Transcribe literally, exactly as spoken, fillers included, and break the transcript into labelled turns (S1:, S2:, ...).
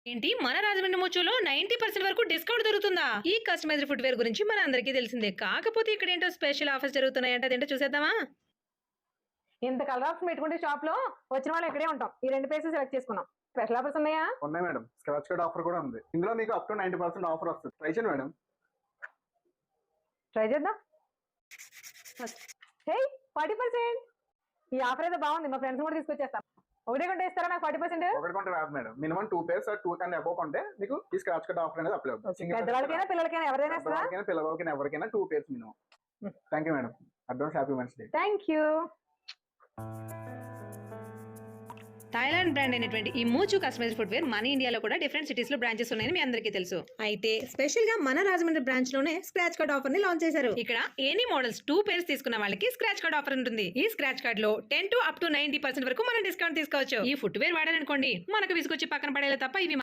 S1: ఏంటి మన రాజమండ్రి మూచోలో నైన్టీ పర్సెంట్ వరకు డిస్కౌంట్ దొరుకుతుందా? ఈ కస్టమైజ్డ్ ఫుట్వేర్ గురించి మన అందరికీ తెలిసిందే. కాకపోతే ఇక్కడ ఏంటో స్పెషల్ ఆఫర్స్ జరుగుతున్నాయంటే అదేంటో చూసేద్దామా?
S2: ఇంత కలర్ ఆప్షన్ పెట్టుకుంటే షాప్ లో వచ్చిన వాళ్ళు ఇక్కడే ఉంటాం. ఈ రెండు ప్లేసెస్ సెలెక్ట్ చేసుకున్నాం. స్పెషల్ ఆఫర్స్ ఉన్నాయా?
S3: ఉన్నాయి మేడం. స్క్రాచ్ కార్డ్ ఆఫర్ కూడా ఉంది. ఇందులో మీకు up to ninety percent offer వస్తుంది. ట్రై చేయండి మేడం.
S2: ట్రై చేద్దాం. హే ఫార్టీ పర్సెంట్ ఈ ఆఫర్ అయితే బాగుంది. మా ఫ్రెండ్స్ కూడా తీసుకొచ్చేస్తాం. ఒకటే కొంటే ఇస్తారా నాకు ఫార్టీ పర్సెంట్?
S3: ఒకటి కొంటే రాదు madam. Minimum two pairs two కన్నా అబౌవ్ కొంటే మీకు ఈ స్క్రాచ్ కార్డ్ ఆఫర్ అనేది అప్లై అవుతుంది.
S2: పెద్దవాళ్ళకైనా పిల్లలకైనా ఎవరైనా ఇస్తారా?
S3: పెద్దవాళ్ళకైనా పిల్లలకైనా ఎవరికైనా two pairs minimum. Thank you madam. Advance happy men's day.
S2: Thank you.
S1: Thailand brand అయినటువంటి ఈ మూచు కస్టమైజ్డ్ ఫుట్వేర్ మన ఇండియాలో కూడా డిఫరెంట్ సిటీస్ లో బ్రాంచెస్ ఉన్నాయని మీ అందరికీ తెలుసు. అయితే స్పెషల్ గా మన రాజమండ్రి బ్రాంచ్ లోనే స్క్రాచ్ కార్డ్ ఆఫర్ ని లాంచ్ చేశారు. ఇక్కడ ఎనీ మోడల్స్ టూ పేర్స్ తీసుకున్న వాళ్ళకి స్క్రాచ్ కార్డ్ ఆఫర్ ఉంటుంది. ఈ స్క్రాచ్ కార్డ్ లో ten to up to ninety percent వరకు మనం డిస్కౌంట్ తీసుకోవచ్చు. ఈ ఫుట్వేర్ వాడారనుకోండి మనకు విసుకొచ్చి పక్కన పడేలా తప్ప ఇవి